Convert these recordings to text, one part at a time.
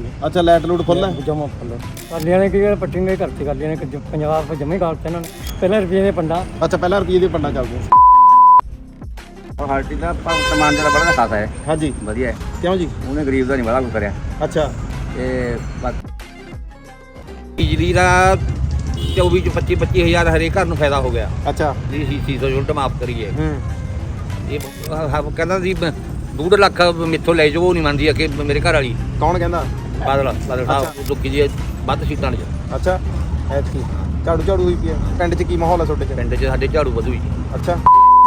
ਅੱਛਾ ਲਾਈਟ ਲੂਟ ਫੁੱਲ ਹੈ ਜਮਾ ਫੁੱਲ ਕਾਲੀਆਂ ਨੇ ਕੀ ਪੱਟੀ ਨੇ ਘਰ 'ਚ ਕਾਲੀਆਂ ਨੇ ਪੰਜਾਬ ਜਮੇ ਗਾਲਤੇ ਇਹਨਾਂ ਨੇ ਪਹਿਲਾਂ ਰੁਪਏ ਦੇ ਪੰਡਾ। ਅੱਛਾ ਪਹਿਲਾਂ ਰੁਪਏ ਦੇ ਪੰਡਾ ਚੱਲਦੇ और हर चीज़ का समान जरा बड़ा खाता है ਹਾਂਜੀ वधिया है ਕਿਉਂ ਜੀ उन्हें गरीब का नहीं बड़ा कुछ करें ਅੱਛਾ ਬਿਜਲੀ ਦਾ 24 ਚ 25 ਹਜ਼ਾਰ ਹਰੇਕ ਘਰ ਨੂੰ ਫਾਇਦਾ ਹੋ ਗਿਆ ਅੱਛਾ ਜੀ ਸੀ ਚੀਜ਼ ਉਲਟ ਮਾਫ ਕਰੀਏ ਹੂੰ ਇਹ ਕਹਿੰਦਾ ਸੀ 2 ਲੱਖ ਮਿੱਥੋਂ ਲੈ ਜਾਓ ਉਹ ਨਹੀਂ ਮੰਨਦੀ ਕਿ ਮੇਰੇ ਘਰ ਵਾਲੀ ਕੌਣ ਕਹਿੰਦਾ ਬਾਦਲ ਸਾਹਿਬ ਲੋਕੀ ਜੀ ਵੱਧ ਸੀਟਾਂ ਨੇ ਅੱਛਾ ਐਤਕੀ ਝਾੜੂ ਝਾੜੂ ਹੋਈ ਪਈ ਹੈ ਪਿੰਡ 'ਚ ਕੀ ਮਾਹੌਲ ਹੈ ਤੁਹਾਡੇ 'ਚ ਪਿੰਡ 'ਚ ਸਾਡੇ ਝਾੜੂ ਵਧੂ ਜੀ ਅੱਛਾ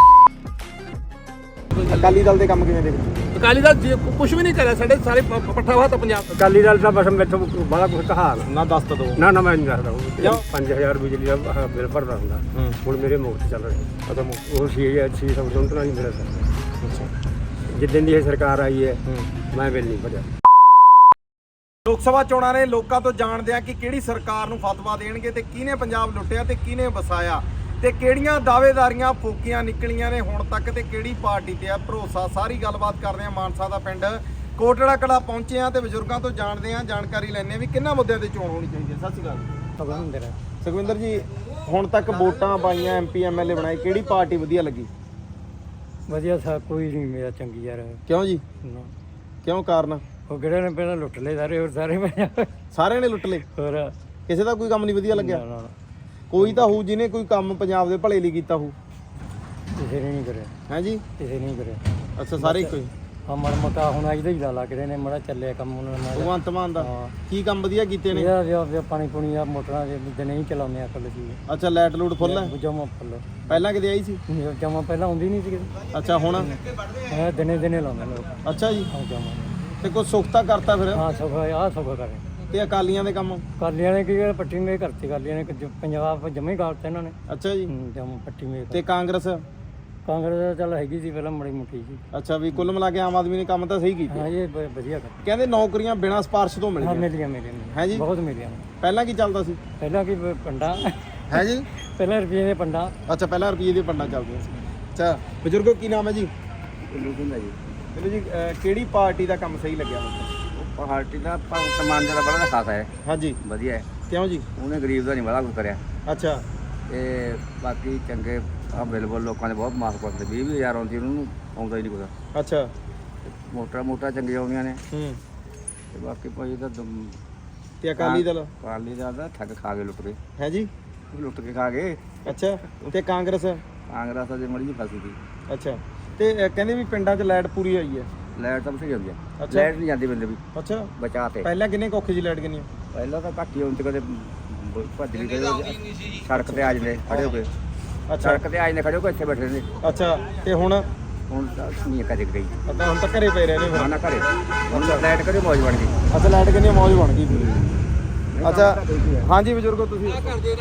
ਅਕਾਲੀ ਦਲ ਦੇ ਕੰਮ ਕਿਵੇਂ ਦੇਖਦੇ ਅਕਾਲੀ ਦਲ ਕੁਝ ਵੀ ਨਹੀਂ ਕਰਿਆ ਸਾਡੇ ਸਾਰੇ ਪੱਠਾ ਵਾ ਤਾਂ ਪੰਜਾਬ ਅਕਾਲੀ ਦਲ ਦਾ ਬਸ ਮੈਥੋਂ ਬੜਾ ਕੁਝ ਕਹਾ ਨਾ ਦੱਸ ਤਾਂ ਦੋ ਨਾ ਨਾ ਮੈਂ ਨਹੀਂ ਦੱਸਦਾ ਕਿਉਂ? 5000 ਬਿਜਲੀ ਦਾ ਬਿੱਲ ਭਰਦਾ ਹੁੰਦਾ ਹੁਣ ਮੇਰੇ ਮੁਫਤ ਚੱਲ ਰਿਹਾ ਅੱਛਾ ਉਹ 600 ਯੂਨਿਟਾਂ ਹੀ ਮੇਰਾ ਸਰ ਅੱਛਾ ਜਿੱਦਣ ਦੀ ਇਹ ਸਰਕਾਰ ਆਈ ਹੈ ਮੈਂ ਬਿੱਲ ਨਹੀਂ ਭਰਿਆ। ਲੋਕ ਸਭਾ ਚੋਣਾਂ ਨੇ ਲੋਕਾਂ ਤੋਂ ਜਾਣਦੇ ਆ ਕਿ ਕਿਹੜੀ ਸਰਕਾਰ ਨੂੰ ਫਤਵਾ ਦੇਣਗੇ ਤੇ ਕਿਹਨੇ ਪੰਜਾਬ ਲੁੱਟਿਆ ਤੇ ਕਿਹਨੇ ਵਸਾਇਆ ਤੇ ਕਿਹੜੀਆਂ ਦਾਅਵੇਦਾਰੀਆਂ ਫੋਕੀਆਂ ਨਿਕਲੀਆਂ ਨੇ ਹੁਣ ਤੱਕ ਤੇ ਕਿਹੜੀ ਪਾਰਟੀ ਤੇ ਆ ਭਰੋਸਾ। ਸਾਰੀ ਗੱਲਬਾਤ ਕਰਦੇ ਆ ਮਾਨਸਾ ਦਾ ਪਿੰਡ ਕੋਟੜਾ ਕਲਾ ਪਹੁੰਚੇ ਆ ਤੇ ਬਜ਼ੁਰਗਾਂ ਤੋਂ ਜਾਣਦੇ ਆ ਜਾਣਕਾਰੀ ਲੈਣੇ ਆ ਵੀ ਕਿੰਨਾ ਮੁੱਦਿਆਂ ਤੇ ਚੋਣ ਹੋਣੀ ਚਾਹੀਦੀ ਹੈ। ਸਤਿ ਸ਼੍ਰੀ ਅਕਾਲ ਸੁਖਵਿੰਦਰ ਜੀ ਹੁਣ ਤੱਕ ਵੋਟਾਂ ਪਾਈਆਂ ਐਮਪੀ ਐਮਐਲਏ ਬਣਾਏ ਕਿਹੜੀ ਪਾਰਟੀ ਵਧੀਆ ਲੱਗੀ? ਵਧੀਆ ਸਾ ਕੋਈ ਨਹੀਂ ਮੇਰਾ ਚੰਗੀ ਯਾਰ ਕਿਉਂ ਜੀ ਨਾ। ਕਿਉਂ ਕਾਰਨ? ਉਹ ਕਿਹੜੇ ਨੇ ਪਹਿਲਾਂ ਲੁੱਟ ਲਏ ਸਾਰੇ ਹੋਰ ਸਾਰੇ ਸਾਰਿਆਂ ਨੇ ਲੁੱਟ ਲਏ ਹੋਰ ਕਿਸੇ ਦਾ ਕੋਈ ਕੰਮ ਨਹੀਂ ਵਧੀਆ ਲੱਗਿਆ? ਨਾ, ਕੋਈ ਤਾਂ ਹੋਊ ਜਿਹਨੇ ਕੋਈ ਕੰਮ ਪੰਜਾਬ ਦੇ ਭਲੇ ਲਈ ਕੀਤਾ ਹੋਊ ਕਿਸੇ ਨੇ ਨਹੀਂ ਕਰਿਆ ਹੈ ਜੀ ਕਿਸੇ ਨੇ ਨਹੀਂ ਕਰਿਆ। ਅੱਛਾ ਸਾਰੇ ਇੱਕੋ ਹੀ ਮਰ ਮਤਾ ਹੁਣ ਅੱਜ ਦਾ ਹੀ ਲਾ ਕਿਹੜੇ ਨੇ ਮੜਾ ਚੱਲਿਆ ਕੰਮ ਉਹਨਾਂ ਨਾਲ ਭਗਵੰਤ ਮਾਨ ਦਾ ਹਾਂ। ਕੀ ਕੰਮ ਵਧੀਆ ਕੀਤੇ ਨੇ? ਇਹਦਾ ਪਾਣੀ ਪੁਣੀ ਆ ਮੋਟਰਾਂ ਦੇ ਦਿਨੇ ਹੀ ਚਲਾਉਂਦੇ ਆ ਕੱਲ ਜੀ ਅੱਛਾ ਲਾਈਟ ਲੂਟ ਫੁੱਲ ਹੈ ਜਮਾ ਫੁੱਲ ਪਹਿਲਾਂ ਕਿਤੇ ਆਈ ਸੀ? ਜਮਾ ਪਹਿਲਾਂ ਆਉਂਦੀ ਨਹੀਂ ਸੀ ਅੱਛਾ ਹੁਣ ਦਿਨੇ ਦਿਨੇ ਲਾਉਂਦੇ ਲੋਕ ਅੱਛਾ ਜੀ ਹਾਂ ਜਮਾ ਤੇ ਕੋਈ ਸੁਖਤਾ ਕਰਤਾ ਫਿਰ ਹਾਂ ਸੌਖਾ ਆਹ ਸੌਖਾ ਕਰੇ ਤੇ ਅਕਾਲੀਆਂ ਦੇ ਕੰਮ? ਕਾਲੀਆਂ ਨੇ ਕੀ ਪੱਟੀ ਨੇ ਘਰ 'ਚ ਕਾਲੀਆਂ ਨੇ ਪੰਜਾਬ ਜਮੇ ਗਾਲਤੇ ਇਹਨਾਂ ਨੇ ਅੱਛਾ ਜੀ ਜਮਾ ਪੱਟੀ ਮੇ ਤੇ ਕਾਂਗਰਸ? ਕਾਂਗਰਸ ਦਾ ਚੱਲ ਹੈਗੀ ਸੀ ਪਹਿਲਾਂ ਮੜੀ ਮੁੱਠੀ ਸੀ। ਅੱਛਾ ਵੀ ਕੁੱਲ ਮਿਲਾ ਕੇ ਆਮ ਆਦਮੀ ਨੇ ਕੰਮ ਤਾਂ ਸਹੀ ਕੀਤੇ। ਹਾਂ ਇਹ ਵਧੀਆ ਕਰ ਕਹਿੰਦੇ ਨੌਕਰੀਆਂ ਬਿਨਾਂ ਸਿਫਾਰਿਸ਼ ਤੋਂ ਮਿਲ ਹਾਂ ਗਈਆਂ ਮਿਲੀਆਂ ਹੈ ਜੀ? ਬਹੁਤ ਮਿਲੀਆਂ ਪਹਿਲਾਂ ਕੀ ਚੱਲਦਾ ਸੀ? ਪਹਿਲਾਂ ਕੀ ਪੰਡਾ ਹੈ ਜੀ ਪਹਿਲਾਂ ਰੁਪਏ ਦੇ ਪੰਡਾ। ਅੱਛਾ ਪਹਿਲਾਂ ਰੁਪਏ ਦੇ ਪੰਡਾਂ ਚੱਲਦੀਆਂ ਸੀ। ਅੱਛਾ ਬਜ਼ੁਰਗੋ ਕੀ ਨਾਮ ਹੈ ਜੀ? ਚਲੋ ਜੀ ਕਿਹੜੀ ਪਾਰਟੀ ਦਾ ਕੰਮ ਸਹੀ ਲੱਗਿਆ? हर चीज़ का समान जरा बड़ा खाता है ਹਾਂਜੀ वधिया है ਕਿਉਂ ਜੀ उन्हें गरीब का नहीं बड़ा कुछ करें ਅੱਛਾ बाकी चंगे बिल्कुल लोगों ने बहुत माफ करते 20,000 आती उन्होंने आउंदा ही नहीं कुछ ਅੱਛਾ मोटा मोटा चंगी आउंदियां ने ਹੂੰ ते बाकी भाई तो ਤੇ ਅਕਾਲੀ ਦਲ काली दा ठग खा के लुट गए ਹੈ ਜੀ लुट के खा गए ਅੱਛਾ ਤੇ कांग्रेस? कांग्रेस अजे मड़ी फसी थी ਅੱਛਾ ਤੇ ਕਹਿੰਦੇ ਵੀ ਪਿੰਡਾਂ 'ਚ ਲਾਈਟ ਪੂਰੀ ਆਈ ਹੈ? लाइट तो सही होती है अच्छा। लाइट नहीं जाती बंदे भी ਅੱਛਾ बचाते ਪਹਿਲਾਂ ਕਿੰਨੇ ਔਖੇ ਜੀ ਲਾਈਟ ਕਿੰਨੀ? पहला तो घट ही होती कदे भज गई सड़क ते आ जाते खड़े हो गए ਅੱਛਾ सड़क ते आ जाते खड़े हो गए इतने बैठे रहंदे ਅੱਛਾ ਤੇ ਹੁਣ ਹੁਣ ਤਾਂ ਨਹੀਂ ਕਦੇ ਗਈ ਅੱਛਾ ਹੁਣ ਤਾਂ ਘਰੇ ਪਏ ਰਹੇ ਨੇ ਫਿਰ? ਨਾ ਘਰੇ ਹੁਣ ਲਾਈਟ ਕਰੇ ਮੌਜ ਬਣ ਗਈ ਅੱਛਾ ਲਾਈਟ ਕਿੰਨੀ ਮੌਜ ਬਣ ਗਈ ਪੂਰੀ। ਅੱਛਾ ਹਾਂਜੀ ਬਜ਼ੁਰਗੋ ਤੁਸੀਂ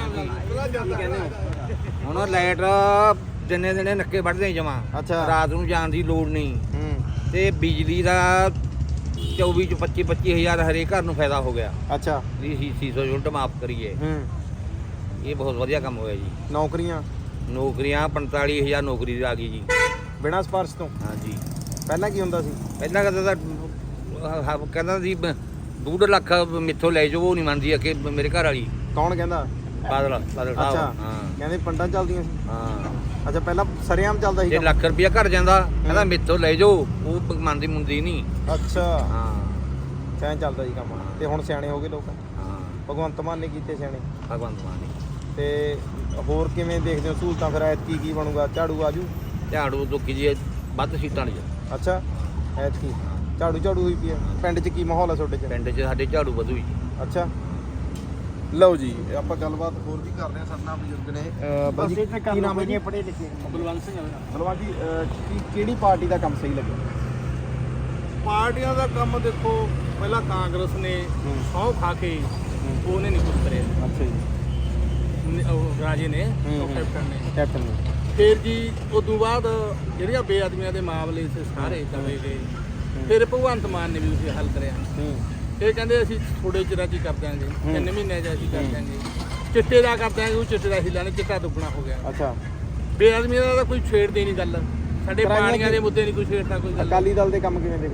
ਹੁਣ ਲਾਈਟ ਦਿਨੇ ਦਿਨੇ ਨੱਕੇ ਵੱਢਦੇ ਜਮਾ ਅੱਛਾ ਰਾਤ ਨੂੰ ਜਾਣ ਦੀ ਲੋੜ ਨਹੀਂ ਹੂੰ ਤੇ ਬਿਜਲੀ ਦਾ 24 ਚ 25 ਹਜ਼ਾਰ ਹਰੇਕ ਘਰ ਨੂੰ ਫਾਇਦਾ ਹੋ ਗਿਆ ਅੱਛਾ ਜੀ ਸੀ ਚੀਜ਼ ਉਲਟ ਮਾਫ ਕਰੀਏ ਹੂੰ ਇਹ ਬਹੁਤ ਵਧੀਆ ਕੰਮ ਹੋਇਆ ਜੀ। ਨੌਕਰੀਆਂ ਨੌਕਰੀਆਂ 45,000 ਨੌਕਰੀ ਆ ਗਈ ਜੀ। ਬਿਨਾਂ ਸਿਫਾਰਿਸ਼ ਤੋਂ? ਹਾਂਜੀ ਪਹਿਲਾਂ ਕੀ ਹੁੰਦਾ ਸੀ? ਪਹਿਲਾਂ ਕਹਿੰਦਾ ਤਾਂ ਕਹਿੰਦਾ ਸੀ 2 ਲੱਖ ਮਿੱਥੋਂ ਲੈ ਜਾਓ ਉਹ ਨਹੀਂ ਮੰਨਦੀ ਕਿ ਮੇਰੇ ਘਰ ਵਾਲੀ ਕੌਣ ਕਹਿੰਦਾ? ਬਾਦਲ ਸਾਹਿਬ ਅੱਛਾ ਹਾਂ ਕਹਿੰਦੇ ਪੰਡਾਂ ਚੱਲਦੀਆਂ ਸੀ? ਹਾਂ ਅੱਛਾ ਪਹਿਲਾਂ ਸਰੇਆਮ ਚੱਲਦਾ ਸੀ ਜੇ ਕੰਮ? ਲੱਖ ਰੁਪਇਆ ਘਰ ਜਾਂਦਾ ਕਹਿੰਦਾ ਮਿੱਥੋਂ ਲੈ ਜਾਓ ਉਹ ਮੰਨਦੀ ਮੁੰਦੀ ਨਹੀਂ। ਅੱਛਾ ਹਾਂ ਕਿਵੇਂ ਚੱਲਦਾ ਸੀ ਕੰਮ? ਤੇ ਹੁਣ ਸਿਆਣੇ ਹੋ ਗਏ ਲੋਕ? ਹਾਂ ਭਗਵੰਤ ਮਾਨ ਨੇ ਕੀਤੇ ਸਿਆਣੇ ਭਗਵੰਤ ਮਾਨ ਨੇ ਤੇ ਹੋਰ ਕਿਵੇਂ ਦੇਖਦੇ ਹੋ ਸਹੂਲਤਾਂ ਫਿਰ ਐਤਕੀ ਕੀ ਬਣੂਗਾ? ਝਾੜੂ ਆਜੂ? ਝਾੜੂ ਲੋਕੀ ਜੀ ਵੱਧ ਸੀਟਾਂ ਨੇ ਅੱਛਾ ਐਤਕੀ ਝਾੜੂ ਝਾੜੂ ਹੋਈ ਪਈ ਹੈ। ਪਿੰਡ 'ਚ ਕੀ ਮਾਹੌਲ ਹੈ ਤੁਹਾਡੇ 'ਚ? ਪਿੰਡ 'ਚ ਸਾਡੇ ਝਾੜੂ ਵਧੂ ਜੀ। ਅੱਛਾ ਲਓ ਜੀ ਆਪਾਂ ਗੱਲਬਾਤ ਹੋਰ ਵੀ ਕਰਦੇ ਹਾਂ ਸਰਨਾ ਬਜ਼ੁਰਗ ਨੇ ਬਾਜੀ ਕੀ ਨਾਮ ਹੈ ਜੀ? ਪੜੇ ਲਿਖੇ ਬਲਵੰਤ ਸਿੰਘ ਬਲਵਾਨ ਜੀ ਕਿਹੜੀ ਪਾਰਟੀ ਦਾ ਕੰਮ ਸਹੀ ਲੱਗਿਆ? ਪਾਰਟੀਆਂ ਦਾ ਕੰਮ ਦੇਖੋ ਪਹਿਲਾਂ ਕਾਂਗਰਸ ਨੇ ਸਹੁੰ ਖਾ ਕੇ ਉਹਨੇ ਨਹੀਂ ਕੁਝ ਕਰਿਆ ਅੱਛਾ ਜੀ ਉਹ ਰਾਜੇ ਨੇ ਉਹ ਕੈਪਟਨ ਨੇ ਕੈਪਟਨ ਨੇ ਫਿਰ ਜੀ ਉਦੋਂ ਬਾਅਦ ਜਿਹੜੀਆਂ ਬੇਅਦਮੀਆਂ ਦੇ ਮਾਮਲੇ ਸੀ ਸਾਰੇ ਦਵੇ ਗਏ ਫਿਰ ਭਗਵੰਤ ਮਾਨ ਨੇ ਵੀ ਉਸੇ ਹੱਲ ਕਰਿਆ ਇਹ ਕਹਿੰਦੇ ਅਸੀਂ ਥੋੜੇ ਚਿਰਾਂ 'ਚ ਹੀ ਕਰ ਦਿਆਂਗੇ 3 ਮਹੀਨਿਆਂ 'ਚ ਅਸੀਂ ਕਰ ਦਿਆਂਗੇ ਚਿੱਟੇ ਦਾ ਕਰ ਦਿਆਂਗੇ ਉਹ ਚਿੱਟੇ ਦਾ ਹੀ ਲੈਣੇ ਚਿੱਟਾ ਦੁੱਗਣਾ ਹੋ ਗਿਆ ਅੱਛਾ ਬੇਅਦਮੀਆਂ ਦਾ ਤਾਂ ਕੋਈ ਛੇੜਦੇ ਨਹੀਂ ਗੱਲ ਸਾਡੇ ਕਰਾਈਆਂ ਪਾਣੀਆਂ ਦੇ ਮੁੱਦੇ ਨਹੀਂ ਕੋਈ ਛੇੜਦਾ ਕੋਈ ਗੱਲ ਅਕਾਲੀ ਦਲ ਦੇ ਕੰਮ ਕਿਵੇਂ ਦੇਖਦੇ?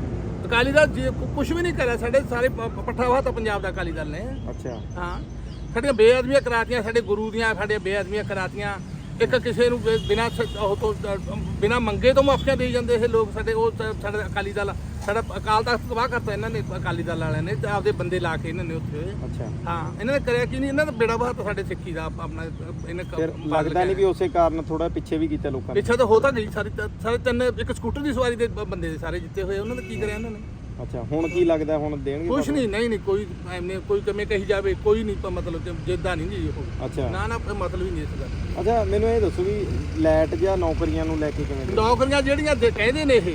ਅਕਾਲੀ ਦਲ ਜੀ ਕੁਝ ਵੀ ਨਹੀਂ ਕਰਿਆ, ਸਾਡੇ ਸਾਰੇ ਪੱਠਾ ਵਾਹ ਤਾਂ ਪੰਜਾਬ ਦਾ ਅਕਾਲੀ ਦਲ ਨੇ। ਅੱਛਾ ਹਾਂ, ਸਾਡੀਆਂ ਬੇਅਦਬੀਆਂ ਕਰਾਤੀਆਂ, ਸਾਡੇ ਗੁਰੂ ਦੀਆਂ ਸਾਡੇ ਬੇਅਦਬੀਆਂ ਕਰਾਤੀਆਂ। ਇੱਕ ਕਿਸੇ ਨੂੰ ਬਿਨਾਂ ਉਹ ਤੋਂ ਬਿਨਾਂ ਮੰਗੇ ਤੋਂ ਮਾਫੀਆਂ ਦੇਈ ਜਾਂਦੇ ਇਹ ਲੋਕ ਸਾਡੇ। ਉਹ ਸਾਡਾ ਅਕਾਲੀ ਦਲ, ਸਾਡਾ ਅਕਾਲ ਤਖਤ ਤਬਾਹ ਕਰਤਾ ਇਹਨਾਂ ਨੇ, ਅਕਾਲੀ ਦਲ ਵਾਲਿਆਂ ਨੇ ਆਪਦੇ ਬੰਦੇ ਲਾ ਕੇ ਇਹਨਾਂ ਨੇ ਉੱਥੇ। ਅੱਛਾ ਹਾਂ, ਇਹਨਾਂ ਨੇ ਕਰਿਆ ਕੀ ਨਹੀਂ, ਇਹਨਾਂ ਦਾ ਬੇੜਾ ਬਹਾਤਾ ਸਾਡੇ ਸਿੱਖੀ ਦਾ ਆਪਣਾ। ਇਹਨੇ ਫਿਰ ਲੱਗਦਾ ਨਹੀਂ ਵੀ ਉਸੇ ਕਾਰਨ ਥੋੜਾ ਪਿੱਛੇ ਵੀ ਕੀਤਾ ਲੋਕਾਂ ਨੇ? ਪਿੱਛੇ ਤਾਂ ਹੋ ਤਾਂ ਗਈ ਸਾਰੇ ਤਿੰਨ, ਇੱਕ ਸਕੂਟਰ ਦੀ ਸਵਾਰੀ ਦੇ ਬੰਦੇ ਦੇ ਸਾਰੇ ਜਿੱਤੇ ਹੋਏ, ਉਹਨਾਂ ਨੇ ਕੀ ਕਰਿਆ ਇਹਨਾਂ ਨੇ? ਅੱਛਾ, ਹੁਣ ਕੀ ਲੱਗਦਾ ਹੁਣ ਦੇਣਗੇ? ਕੁਛ ਨਹੀਂ, ਨਹੀਂ ਕੋਈ ਐਵੇਂ ਕੋਈ ਕਿਵੇਂ ਕਹੀ ਜਾਵੇ, ਕੋਈ ਨਹੀਂ ਮਤਲਬ ਕਿ ਜਿੱਦਾਂ ਨਹੀਂ ਜੀ ਉਹ। ਅੱਛਾ ਨਾ ਮਤਲਬ ਹੀ ਨਹੀਂ ਇਸ ਗੱਲ। ਅੱਛਾ, ਮੈਨੂੰ ਇਹ ਦੱਸੋ ਵੀ ਲਾਈਟ ਜਾਂ ਨੌਕਰੀਆਂ ਨੂੰ ਲੈ ਕੇ ਕਿਵੇਂ ਦੇ? ਨੌਕਰੀਆਂ ਜਿਹੜੀਆਂ ਕਹਿੰਦੇ ਨੇ ਇਹ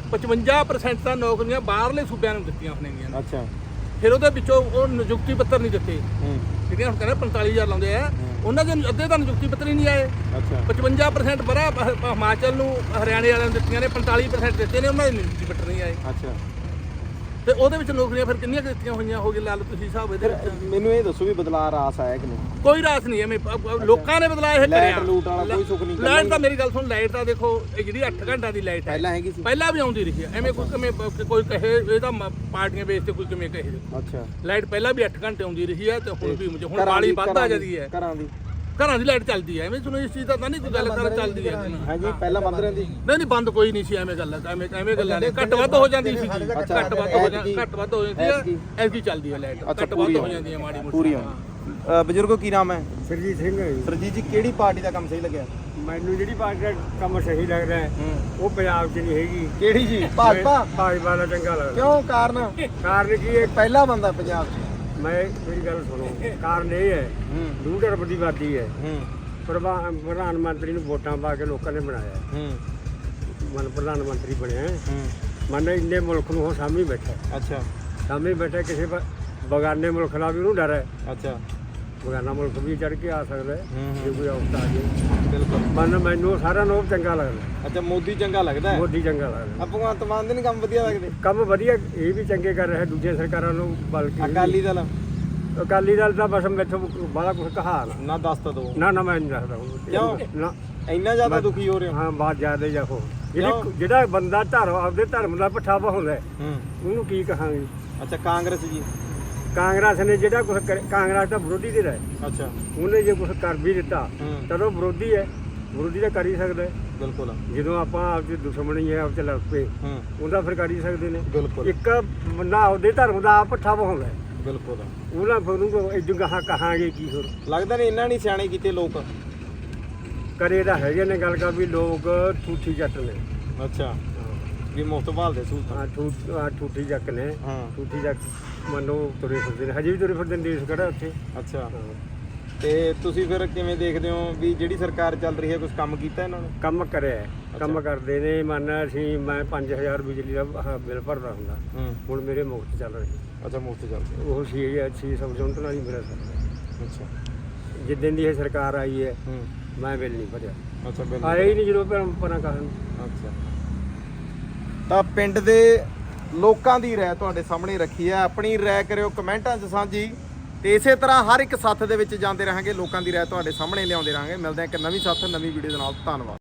55% ਤਾਂ ਨੌਕਰੀਆਂ ਬਾਹਰਲੇ ਸੂਬਿਆਂ ਨੂੰ ਦਿੱਤੀਆਂ ਹੋਣਗੀਆਂ। ਅੱਛਾ, ਫਿਰ ਉਹਦੇ ਵਿੱਚੋਂ ਉਹ ਨਿਯੁਕਤੀ ਪੱਤਰ ਨਹੀਂ ਦਿੱਤੇ। ਹੂੰ, ਜਿਹੜੀਆਂ ਹੁਣ ਕਹਿੰਦੇ 45,000 ਲਾਉਂਦੇ ਆ, ਉਹਨਾਂ ਦੇ ਅੱਧੇ ਤਾਂ ਨਿਯੁਕਤੀ ਪੱਤਰ ਹੀ ਨਹੀਂ ਆਏ। ਅੱਛਾ 55% ਬੜਾ ਹਿਮਾਚਲ ਨੂੰ, ਹਰਿਆਣੇ ਵਾਲਿਆਂ ਨੂੰ ਦਿੱਤੀਆਂ ਨੇ, 45% ਦਿੱਤੇ ਨੇ, ਉਹਨਾਂ ਦੇ ਨਿਯੁਕਤੀ ਪੱਤਰ ਨਹੀਂ ਆਏ। ਅੱਛਾ, ਤੇ ਉਹਦੇ ਵਿੱਚ ਨੌਕਰੀਆਂ ਫਿਰ ਕਿੰਨੀਆਂ ਦਿੱਤੀਆਂ ਹੋਈਆਂ ਹੋਗੇ, ਲਾ ਲਓ ਤੁਸੀਂ ਹਿਸਾਬ ਇਹਦੇ ਫਿਰ ਵਿੱਚ। ਮੈਨੂੰ ਇਹ ਦੱਸੋ ਵੀ ਬਦਲਾਅ ਰਾਸ ਆਇਆ ਕਿ ਨਹੀਂ? ਕੋਈ ਰਾਸ ਨਹੀਂ ਐਵੇਂ ਲੋਕਾਂ ਨੇ ਬਦਲਾਅ ਇਹ ਲਾਈਟ ਕਰਿਆ। ਲੂਟ ਵਾਲਾ ਕੋਈ ਸੁੱਖ ਨਹੀਂ? ਲਾਈਟ ਤਾਂ ਮੇਰੀ ਗੱਲ ਸੁਣ, ਲਾਈਟ ਤਾਂ ਦੇਖੋ ਇਹ ਜਿਹੜੀ 8 ਘੰਟਾ ਦੀ ਲਾਈਟ ਹੈ ਪਹਿਲਾਂ ਹੈਗੀ ਸੀ? ਪਹਿਲਾਂ ਵੀ ਆਉਂਦੀ ਰਹੀ ਹੈ। ਐਵੇਂ ਕੋਈ ਕਿਵੇਂ ਕੋਈ ਕਹੇ ਇਹ ਤਾਂ ਪਾਰਟੀਆਂ ਬੇਸ ਤੇ ਕੋਈ ਕਿਵੇਂ ਕਹੇ। ਅੱਛਾ, ਲਾਈਟ ਪਹਿਲਾਂ ਵੀ 8 ਘੰਟੇ ਆਉਂਦੀ ਰਹੀ ਹੈ ਤੇ ਹੁਣ ਵੀ ਹੁਣ ਘਰਾਂ ਬਾਲੀ ਦੀ- ਵੱਧ ਆ ਜਾਂਦੀ ਹੈ। ਘਰਾਂ ਦੀ ਲਾਈਟ ਚੱਲਦੀ ਹੈ, ਐਵੇਂ ਤੁਹਾਨੂੰ ਇਸ ਚੀਜ਼ ਦਾ ਤਾਂ ਨਹੀਂ ਕੋਈ ਗੱਲ ਕਰ ਚੱਲਦੀ ਹੈ। ਹਾਂਜੀ, ਪਹਿਲਾਂ ਬੰਦ ਰਹਿੰਦੀ? ਨਹੀਂ ਬੰਦ ਕੋਈ ਨਹੀਂ ਸੀ, ਐਵੇਂ ਗੱਲ ਐਵੇਂ ਗੱਲਾਂ ਨੇ। ਘੱਟ ਵੱਧ ਹੋ ਜਾਂਦੀ ਸੀ, ਘੱਟ ਵੱਧ ਹੋ ਜਾਂਦੀ ਹੈ। ਐਸੀ ਚੱਲਦੀ ਹੈ ਲਾਈਟ, ਘੱਟ ਵੱਧ ਹੋ ਜਾਂਦੀ ਹੈ ਮਾੜੀ ਮੋਟੀ। ਪੂਰੀ ਬਜ਼ੁਰਗੋ ਕੀ ਨਾਮ ਹੈ? ਸਰਜੀਤ ਸਿੰਘ ਹੈ ਜੀ। ਸਰਜੀਤ ਜੀ, ਕਿਹੜੀ ਪਾਰਟੀ ਦਾ ਕੰਮ ਸਹੀ ਲੱਗਿਆ? ਮੈਨੂੰ ਜਿਹੜੀ ਪਾਰਟੀ ਦਾ ਕੰਮ ਸਹੀ ਲੱਗਦਾ ਹੈ ਉਹ ਪੰਜਾਬ 'ਚ ਨਹੀਂ ਹੈਗੀ। ਕਿਹੜੀ ਜੀ? ਭਾਜਪਾ? ਭਾਜਪਾ ਦਾ ਚੰਗਾ ਲੱਗਦਾ। ਕਿਉਂ? ਕਾਰਨ ਕੀ ਹੈ? ਪਹਿਲਾ ਬੰਦਾ ਪੰਜਾਬ 'ਚ। ਮੇਰੀ ਗੱਲ ਸੁਣੋ, ਕਾਰਨ ਇਹ ਹੈ 2 ਅਰਬ ਦੀ ਆਬਾਦੀ ਹੈ। ਪ੍ਰਧਾਨ ਮੰਤਰੀ ਨੂੰ ਵੋਟਾਂ ਪਾ ਕੇ ਲੋਕਾਂ ਨੇ ਬਣਾਇਆ, ਮਨ ਪ੍ਰਧਾਨ ਮੰਤਰੀ ਬਣਿਆ। ਮਨ ਇੰਨੇ ਮੁਲਕ ਨੂੰ ਉਹ ਸਾਹਮਣੇ ਬੈਠਾ। ਅੱਛਾ, ਸਾਹਮਣੇ ਬੈਠਾ, ਕਿਸੇ ਬਗਾਨੇ ਮੁਲਕ ਦਾ ਵੀ ਉਹਨੂੰ ਡਰ ਹੈ। ਅੱਛਾ, ਬਗਾਨਾ ਮੁਲਕ ਵੀ ਚੜ ਕੇ ਆ ਸਕਦਾ ਹੈ ਜੇ ਕੋਈ ਔਕਤ ਆ ਜਾਏ। ਬਿਲਕੁਲ। ਮੈਨੂੰ ਸਾਰਾ ਨੂੰ ਚੰਗਾ ਲੱਗਦਾ। ਅੱਛਾ, ਮੋਦੀ ਚੰਗਾ ਲੱਗਦਾ ਹੈ? ਮੋਦੀ ਚੰਗਾ ਲੱਗਦਾ। ਭਗਵੰਤ ਮਾਨ ਦੇ ਨਹੀਂ ਕੰਮ ਵਧੀਆ ਲੱਗਦੇ? ਕੰਮ ਵਧੀਆ, ਇਹ ਵੀ ਚੰਗੇ ਕਰ ਰਿਹਾ ਦੂਜੀਆਂ ਸਰਕਾਰਾਂ ਨੂੰ, ਬਲਕਿ ਅਕਾਲੀ ਦਲ? ਅਕਾਲੀ ਦਲ ਦਾ ਬਸ ਮੈਥੋਂ ਬਾਹਲਾ ਕੁਝ ਕਹਾ ਨਾ ਦੱਸ ਤਾਂ ਦੋ। ਨਾ ਮੈਂ ਨਹੀਂ ਦੱਸਦਾ ਕਿਉਂ? ਨਾ ਇੰਨਾ ਜ਼ਿਆਦਾ ਦੁਖੀ ਹੋ ਰਹੇ ਹੋ? ਹਾਂ, ਬਾਤ ਜ਼ਿਆਦਾ ਜਾਓ। ਜਿਹੜਾ ਬੰਦਾ ਆਪਦੇ ਧਰਮ ਦਾ ਪੱਠਾ ਵਹਾਉਂਦਾ ਉਹਨੂੰ ਕੀ ਕਹਾਂਗੇ? ਅੱਛਾ, ਕਾਂਗਰਸ ਜੀ? ਕਾਂਗਰਸ ਨੇ ਜਿਹੜਾ ਕੁਝ ਕਾਂਗਰਸ ਦਾ ਵਿਰੋਧੀ ਦੇ ਰਿਹਾ। ਅੱਛਾ, ਉਹਨੇ ਜੇ ਕੁਝ ਕਰ ਵੀ ਦਿੱਤਾ ਤਾਂ ਉਹ ਵਿਰੋਧੀ ਹੈ, ਵਿਰੋਧੀ ਤਾਂ ਕਰ ਹੀ ਸਕਦਾ। ਬਿਲਕੁਲ। ਜਦੋਂ ਆਪਾਂ ਆਪਦੀ ਦੁਸ਼ਮਣੀ ਹੈ, ਆਪ ਚ ਲੜ ਪਏ, ਉਹਦਾ ਫਿਰ ਕਰ ਹੀ ਸਕਦੇ ਨੇ। ਬਿਲਕੁਲ। ਇੱਕ ਬੰਦਾ ਆਪਦੇ ਧਰਮ ਦਾ ਆਪ ਪੱਠਾ ਵਹਾਉਂਦਾ। ਬਿਲਕੁਲ। ਉਹਨਾਂ ਫਿਰ ਉਹਨੂੰ ਇਦੋਂ ਗਾਹਾਂ ਕਹਾਂਗੇ ਕੀ? ਹੋਰ ਲੱਗਦਾ ਨਹੀਂ ਇਹਨਾਂ ਨਹੀਂ ਸਿਆਣੇ ਕੀਤੇ ਲੋਕ? ਕਰੇ ਤਾਂ ਹੈਗੇ ਨੇ ਗੱਲ ਕਰ ਵੀ ਲੋਕ ਠੂਠੀ ਜੱਟ ਨੇ। ਅੱਛਾ, ਵੀ ਮੁਫਤ ਭਾਲਦੇ ਸਹੂਲਤ? ਹਾਂ, ਠੂਠੀ ਜੱਟ ਨੇ। ਹਾਂ, ਠੂਠੀ ਜੱਟ ਮੰਨੋ ਤੁਰੇ ਫਿਰਦੇ ਨੇ, ਹਜੇ ਵੀ ਤੁਰੇ ਫਿਰਦੇ ਨੇ। ਦੇਸ਼ ਕਿਹੜਾ ਉੱਥੇ? ਅੱਛਾ, ਤੇ ਤੁਸੀਂ ਫਿਰ ਕਿਵੇਂ ਦੇਖਦੇ ਹੋ ਵੀ ਜਿਹੜੀ ਸਰਕਾਰ ਚੱਲ ਰਹੀ ਹੈ, ਕੁਝ ਕੰਮ ਕੀਤਾ ਇਹਨਾਂ ਨੇ? ਕੰਮ ਕਰਿਆ, ਕੰਮ ਕਰਦੇ ਨੇ। ਮੈਂ 5000 ਬਿਜਲੀ ਦਾ ਬਿੱਲ ਭਰਦਾ ਹੁੰਦਾ, ਹੁਣ ਮੇਰੇ ਮੁਫਤ ਚੱਲ ਰਹੀ। ਅੱਛਾ, ਮੁਫਤ ਚੱਲਦੇ। ਉਹ 600 ਯੂਨਿਟ ਨਾਲ ਹੀ ਮੇਰਾ ਸਰਦਾ। ਅੱਛਾ, ਜਿੱਦਣ ਦੀ ਇਹ ਸਰਕਾਰ ਆਈ ਹੈ ਮੈਂ ਬਿੱਲ ਨਹੀਂ ਭਰਿਆ। ਅੱਛਾ, ਬਿਲਕੁਲ। ਆਇਆ ਹੀ ਨਹੀਂ ਜਦੋਂ ਪਰਾਂ ਕਾਰਨ। ਅੱਛਾ, ਤਾਂ ਪਿੰਡ ਦੇ ਲੋਕਾਂ ਦੀ ਰਾਏ ਤੁਹਾਡੇ ਸਾਹਮਣੇ ਰੱਖੀ ਹੈ। ਆਪਣੀ ਰਾਏ ਕਰਿਓ ਕਮੈਂਟਾਂ 'ਚ ਸਾਂਝੀ, ਤੇ ਇਸੇ ਤਰ੍ਹਾਂ ਹਰ ਇੱਕ ਸੱਥ ਦੇ ਵਿੱਚ ਜਾਂਦੇ ਰਹਾਂਗੇ, ਲੋਕਾਂ ਦੀ ਰਾਏ ਤੁਹਾਡੇ ਸਾਹਮਣੇ ਲਿਆਉਂਦੇ ਰਹਾਂਗੇ। ਮਿਲਦੇ ਹਾਂ ਇੱਕ ਨਵੀਂ ਸੱਥ, ਨਵੀਂ ਵੀਡੀਓ ਦੇ ਨਾਲ। ਧੰਨਵਾਦ।